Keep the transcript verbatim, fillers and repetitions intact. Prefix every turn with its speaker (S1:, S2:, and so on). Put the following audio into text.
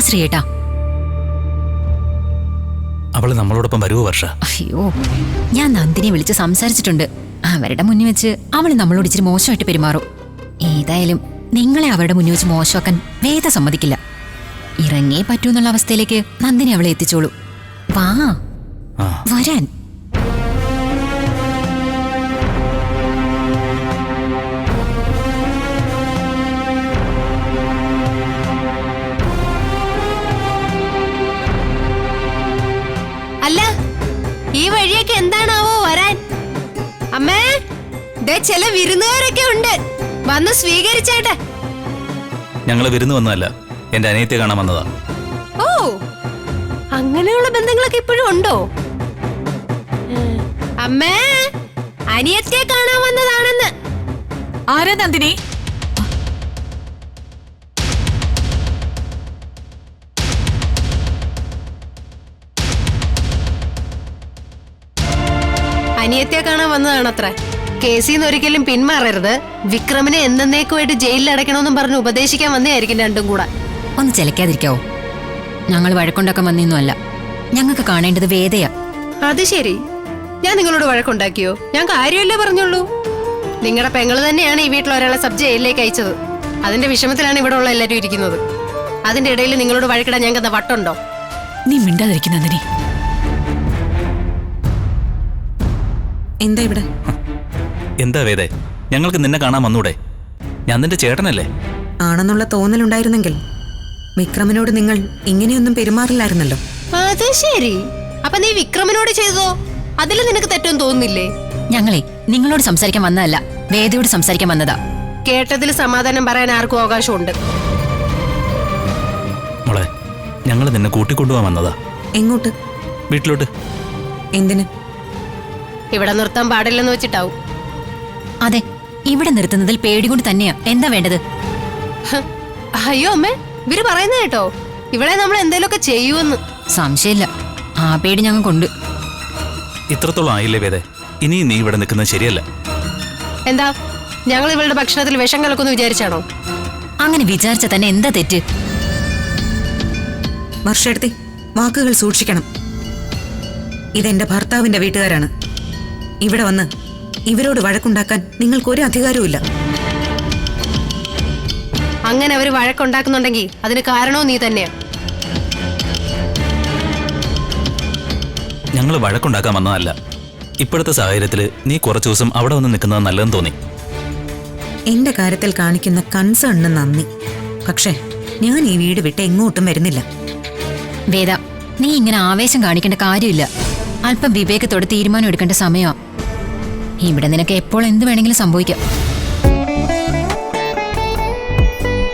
S1: ശ്രീയേട്ടാ.
S2: അവള് നമ്മളോടൊപ്പം വരുവോ വർഷ?
S1: അയ്യോ, ഞാൻ നന്ദിനെ വിളിച്ച് സംസാരിച്ചിട്ടുണ്ട്. അവരുടെ മുന്നിൽ വെച്ച് അവള് നമ്മളോട് ഇച്ചിരി മോശമായിട്ട് പെരുമാറും. ഏതായാലും നിങ്ങളെ അവരുടെ മുന്നിൽ വെച്ച് മോശമാക്കാൻ വേദ സമ്മതിക്കില്ല. ഇറങ്ങേ പറ്റൂന്നുള്ള അവസ്ഥയിലേക്ക് നന്ദിനെ അവളെ എത്തിച്ചോളൂ. വാ വരാൻ.
S3: അല്ല, ഈ വഴിയൊക്കെ എന്താണാവോ വരാൻ? അമ്മേ, ദേ ചില വിരുന്നുകാരൊക്കെ ഉണ്ട്, വന്ന് സ്വീകരിച്ചേട്ടെ.
S2: ഞങ്ങള് വിരുന്ന് വന്നതല്ല, എന്റെ അനിയത്തെ കാണാൻ വന്നതാ.
S3: ഓ, അങ്ങനെയുള്ള ബന്ധങ്ങളൊക്കെ ഇപ്പോഴും ഉണ്ടോ? അമ്മേ, അനിയത്തെ കാണാൻ വന്നതാണെന്ന്.
S4: ആരാ നന്ദിനി?
S3: അനിയത്തെ കാണാൻ വന്നതാണത്ര. കേസിന്ന് ഒരിക്കലും പിന്മാറരുത്, വിക്രമിനെ എന്നേക്കുമായിട്ട് ജയിലിൽ അടയ്ക്കണമെന്നും പറഞ്ഞ് ഉപദേശിക്കാൻ വന്നതായിരിക്കും രണ്ടും കൂടെ.
S1: ഒന്ന് ചിലക്കാതിരിക്കാവോ? ഞങ്ങൾ വഴക്കുണ്ടാക്കാൻ വന്നൊന്നുമല്ല. ഞങ്ങൾക്ക് കാണേണ്ടത് വേദയാ.
S3: അത് ശരി, ഞാൻ നിങ്ങളോട് വഴക്കുണ്ടാക്കിയോ? ഞാൻ കാര്യമല്ലേ പറഞ്ഞുള്ളൂ. നിങ്ങളുടെ പെങ്ങള് തന്നെയാണ് ഈ വീട്ടിൽ ഒരാളെ സബ് ജയിലിലേക്ക് അയച്ചത്. അതിന്റെ വിഷമത്തിലാണ് ഇവിടെ ഉള്ള എല്ലാവരും ഇരിക്കുന്നത്. അതിന്റെ ഇടയിൽ നിങ്ങളോട് വഴക്കിടാൻ ഞങ്ങൾക്ക് എന്താ വട്ടുണ്ടോ?
S4: നീ മിണ്ടാതിരിക്കും നന്ദിനി.
S5: എന്താ ഇവിടെ?
S2: എന്താ വേദേ, ഞങ്ങൾക്ക് നിന്നെ കാണാൻ വന്നൂടെ? ഞാൻ നിന്റെ ചേട്ടനല്ലേ?
S5: ആണെന്നുള്ള തോന്നലുണ്ടായിരുന്നെങ്കിൽ വിക്രമിനോട് നിങ്ങൾ ഇങ്ങനെയൊന്നും പെരുമാറില്ലായിരുന്നല്ലോ.
S3: അത് ശരി, അപ്പൊ നീ വിക്രമിനോട് ചെയ്തോ? അതിൽ നിനക്ക് തെറ്റൊന്നും തോന്നുന്നില്ലേ?
S1: ഞങ്ങളെ നിങ്ങളോട് സംസാരിക്കാൻ വന്നതല്ല, വേദയോട് സംസാരിക്കാൻ വന്നതാ.
S3: കേട്ടതിൽ സമാധാനം പറയാൻ ആർക്കും അവകാശമുണ്ട്.
S2: മോളെ, ഞങ്ങൾ നിന്നെ കൂട്ടിക്കൊണ്ടുപോകാൻ വന്നതാ.
S5: എങ്ങോട്ട്?
S2: വീട്ടിലോട്ട്.
S5: എന്തിന്?
S3: ഇവിടെ നിർത്താൻ പാടില്ലെന്ന് വെച്ചിട്ടാവും.
S1: അതെ, ഇവിടെ നിർത്തുന്നതിൽ പേടികൊണ്ട് തന്നെയാ. എന്താ വേണ്ടത്?
S3: അയ്യോ അമ്മേ, ഇവര് പറയുന്ന കേട്ടോ, ഇവിടെ നമ്മൾ എന്തേലുമൊക്കെ ചെയ്യുമെന്ന്.
S1: സംശയമില്ല, ആ പേടി ഞങ്ങൾക്കുണ്ട്.
S2: ഇത്രത്തോളം ആയില്ലേ വേദേ? ഇനി നീ ഇവിടെ നിൽക്കുന്നത് ശരിയല്ല.
S3: എന്താ, ഞങ്ങൾ ഇവളുടെ ഭക്ഷണത്തിൽ വിഷം കലക്കുമെന്ന് വിചാരിച്ചാണോ?
S1: അങ്ങനെ വിചാരിച്ച തന്നെ എന്താ തെറ്റ്?
S5: വർഷെടുത്തി വാക്കുകൾ സൂക്ഷിക്കണം. ഇതെന്റെ ഭർത്താവിന്റെ വീട്ടുകാരാണ്. ഇവിടെ വന്ന് ഇവരോട് വഴക്കുണ്ടാക്കാൻ നിങ്ങൾക്കൊരു അധികാരവുമില്ല.
S3: അങ്ങനെ അവര് വഴക്കുണ്ടാക്കുന്നുണ്ടെങ്കിൽ അതിന് കാരണവും നീ തന്നെയാ.
S2: ഞങ്ങൾ വഴക്കുണ്ടാക്കാൻ വന്നതല്ല. ഇപ്പോഴത്തെ സാഹചര്യത്തിൽ നീ കുറച്ചു ദിവസം അവിടെ വന്ന് നിൽക്കുന്നത് നല്ലതെന്ന് തോന്നി.
S5: എന്റെ കാര്യത്തിൽ കാണിക്കുന്ന കൺസേണിന് നന്ദി. പക്ഷേ ഞാൻ ഈ വീട് വിട്ട് എങ്ങോട്ടും വരുന്നില്ല.
S1: വേദ, നീ ഇങ്ങനെ ആവേശം കാണിക്കേണ്ട കാര്യമില്ല. അല്പം വിവേകത്തോടെ തീരുമാനം എടുക്കേണ്ട സമയമാ. ഇവിടെ നിനക്ക് എപ്പോൾ എന്ത് വേണമെങ്കിലും സംഭവിക്കാം.